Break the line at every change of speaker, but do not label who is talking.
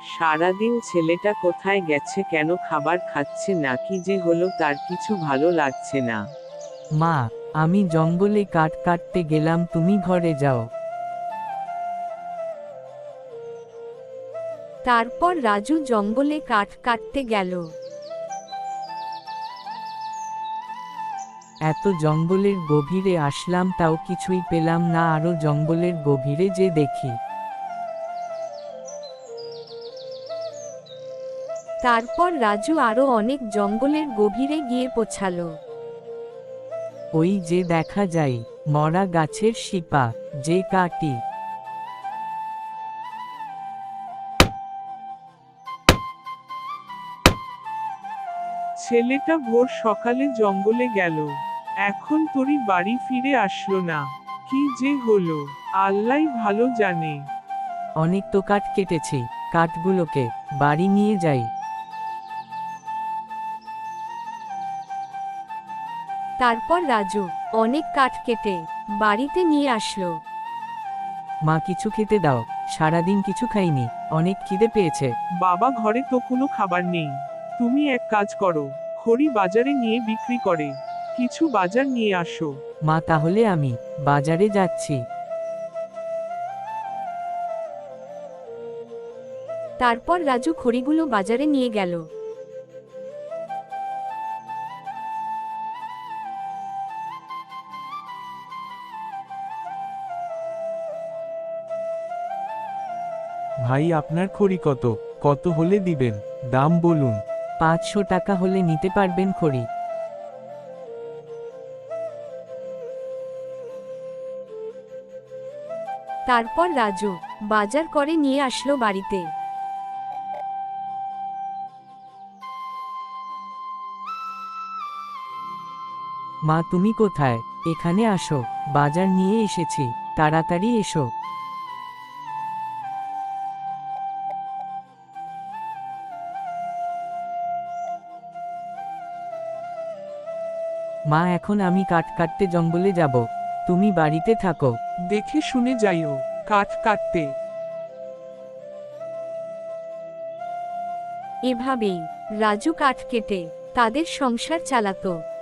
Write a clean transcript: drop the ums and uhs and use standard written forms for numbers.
সারাদিন ছেলেটা কোথায় গেছে, কেন খাবার খাচ্ছে না, কি যে হলো তার কিছু ভালো লাগছে না।
মা, আমি জঙ্গলে কাঠ কাটতে গেলাম, তুমি ঘরে যাও।
তারপর রাজু জঙ্গলে কাঠ কাটতে গেল।
এত জঙ্গলের গভীরে আসলাম, তাও কিছুই পেলাম না, আরো জঙ্গলের গভীরে যে দেখি।
তারপর রাজু আরো অনেক জঙ্গলের গভীরে গিয়ে পৌঁছালো।
ওই যে দেখা যায় মরা গাছের শিপা, যে কাটি।
ছেলেটা ভোর সকালে জঙ্গলে গেল, এখন তোরই বাড়ি ফিরে আসলো না, কি যে হলো আল্লাহই ভালো জানে।
অনেক তো কাঠ কেটেছি, কাঠগুলোকে বাড়ি নিয়ে যাই।
তারপর রাজু অনেক কাঠ কেটে বাড়িতে নিয়ে আসলো।
মা, কিছু খেতে দাও, সারাদিন কিছু খাইনি, অনেক খিদে পেয়েছে।
বাবা, ঘরে তো কোনো খাবার নেই, তুমি এক কাজ করো, খড়ি বাজারে নিয়ে বিক্রি করে কিছু বাজার নিয়ে আসো।
মা, তাহলে আমি বাজারে যাচ্ছি।
তারপর রাজু খড়িগুলো বাজারে নিয়ে গেল।
ভাই, আপনার খড়ি কত কত হলে দিবেন, দাম বলুন।
500 টাকা হলে নিতে পারবেন খড়ি।
তারপর রাজু বাজার করে নিয়ে আসলো বাড়িতে।
মা, তুমি কোথায়? এখানে আসো, বাজার নিয়ে এসেছি, তাড়াতাড়ি এসো। মা, এখন আমি কাঠ কাটতে জঙ্গলে যাব, তুমি বাড়িতে থাকো।
দেখে শুনে যাইও, কাঠ কাটতে।
এভাবেই রাজু কাঠ কেটে তাদের সংসার চালাতো।